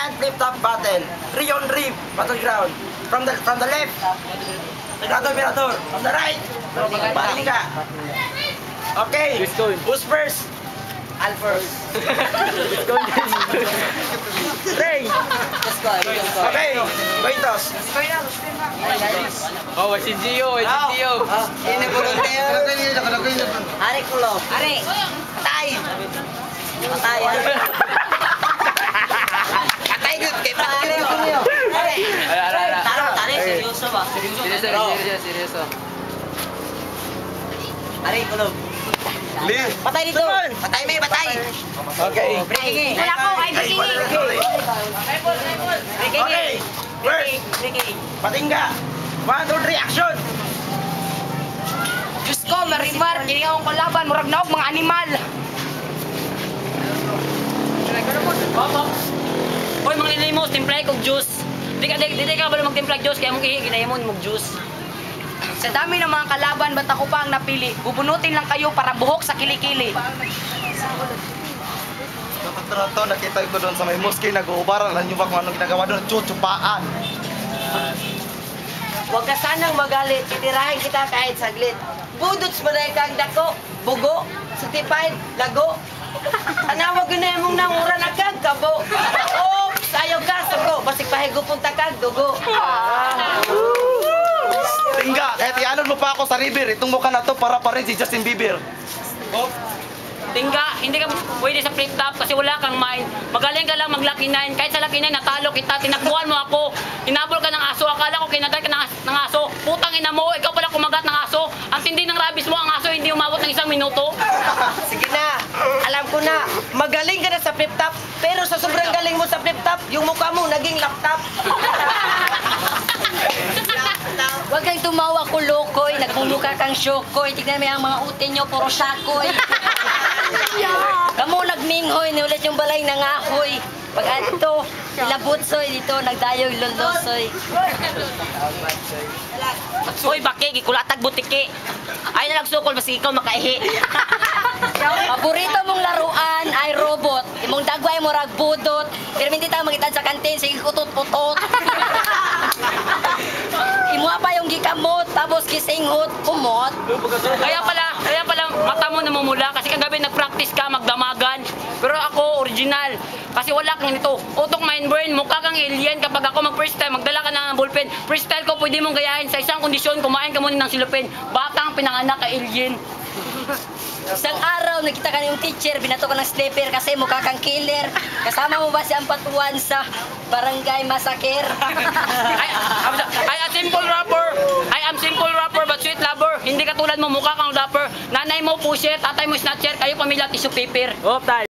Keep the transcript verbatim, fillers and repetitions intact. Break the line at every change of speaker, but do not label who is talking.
Giant flip-top battle. Three on three battleground. From the from the left, Mirador, Mirador. From the right, Patinga. Okay, who's first? I'll first. Ray. Okay, Goitos.
Oh, si Gio, si Gio.
Ini pulong tayo. Ari kulo. Ari. Patay. Patay. Patay gud kay patay kulo. Ari.
Ara, ara, ara.
Taro, tari seryoso ba?
Seryoso, seryoso, seryoso.
Ari kulo. Patay dito. Patay may patay.
Okay.
Breaking.
Wala ko, ay breaking.
Breaking.
Okay, first,
Breaking.
Patinga. One, two, three, action.
Diyos ko, marimar, kini akong kalaban, murag naog mga animal. Hoy, mga nilimos, timplay kog juice. Di ka, di, di ka ba magtimpla juice, kaya mong ihi, ginahimon mong juice. Sa dami ng mga kalaban, ba't ako pa ang napili? Bubunutin lang kayo para buhok sa kilikili.
Nakatara to, nakita ko doon sa may mosque, nag-uubaran. Alam nyo ba kung anong ginagawa doon? Chuchupaan.
Huwag ka sanang magalit. Titirahin kita kahit saglit. Budots mo dahil kang dako. Bugo. Satipaid. Lago. Tanawag yun na mong nangura na kag kabo. Oops! Ayaw ka. Sugo. Basig pahigo punta kag dugo.
Tingga, kahit ianon mo pa ako sa river, itong mukha na to para pa rin si Justin Bieber.
Tingga, hindi ka pwede sa flip top kasi wala kang mind. Magaling ka lang mag lucky nine. Kahit sa lucky nine, natalo kita, tinakbuhan mo ako. Tinabol ka ng aso, akala ko kinagat ka ng, ng aso. Putang ina mo, ikaw pala kumagat ng aso. Ang tindi ng rabies mo, ang aso hindi umabot ng isang minuto.
Sige na. Alam ko na. Magaling ka na sa flip top. Pero sa sobrang galing mo sa flip top, yung mukha mo naging laptop.
Huwag kang tumawa ko, lokoy. Nagmumukha kang syokoy. Tignan mo yung mga utin nyo, puro syakoy. Kamu nagminghoy, niulit yung balay ng ahoy. Pag ato, ilabutsoy dito, nagdayoy lolosoy.
Uy, baki, gikulatag butiki. Ay na nagsukol, basta ikaw makaihi.
Paborito mong laruan ay robot. Imong dagway mo ragbudot. Pero hindi tayo magitad sa kantin, sige kutot-putot. Imuha pa yung gikamot, tapos gisinghot, kumot.
Kaya pala, kaya pala mata mo namumula kasi kagabi nag-practice ka magdamagan. Pero ako original kasi wala kang nito. Utok mind brain, mukha kang alien kapag ako mag-freestyle, magdala ka ng ballpen. Freestyle ko pwede mong gayahin sa isang kondisyon, kumain ka muna ng silupin. Batang pinanganak ka alien.
Isang araw, nakita ka yung teacher, binato ka ng slipper kasi mukha kang killer. Kasama mo ba si Ampatuan sa Barangay Massacre?
I, I am simple rapper. I am simple rapper but sweet lover. Hindi katulad mo, mukha kang rapper. Nanay mo pusher, tatay mo snatcher, kayo pamilya tissue paper.
Oh, tayo.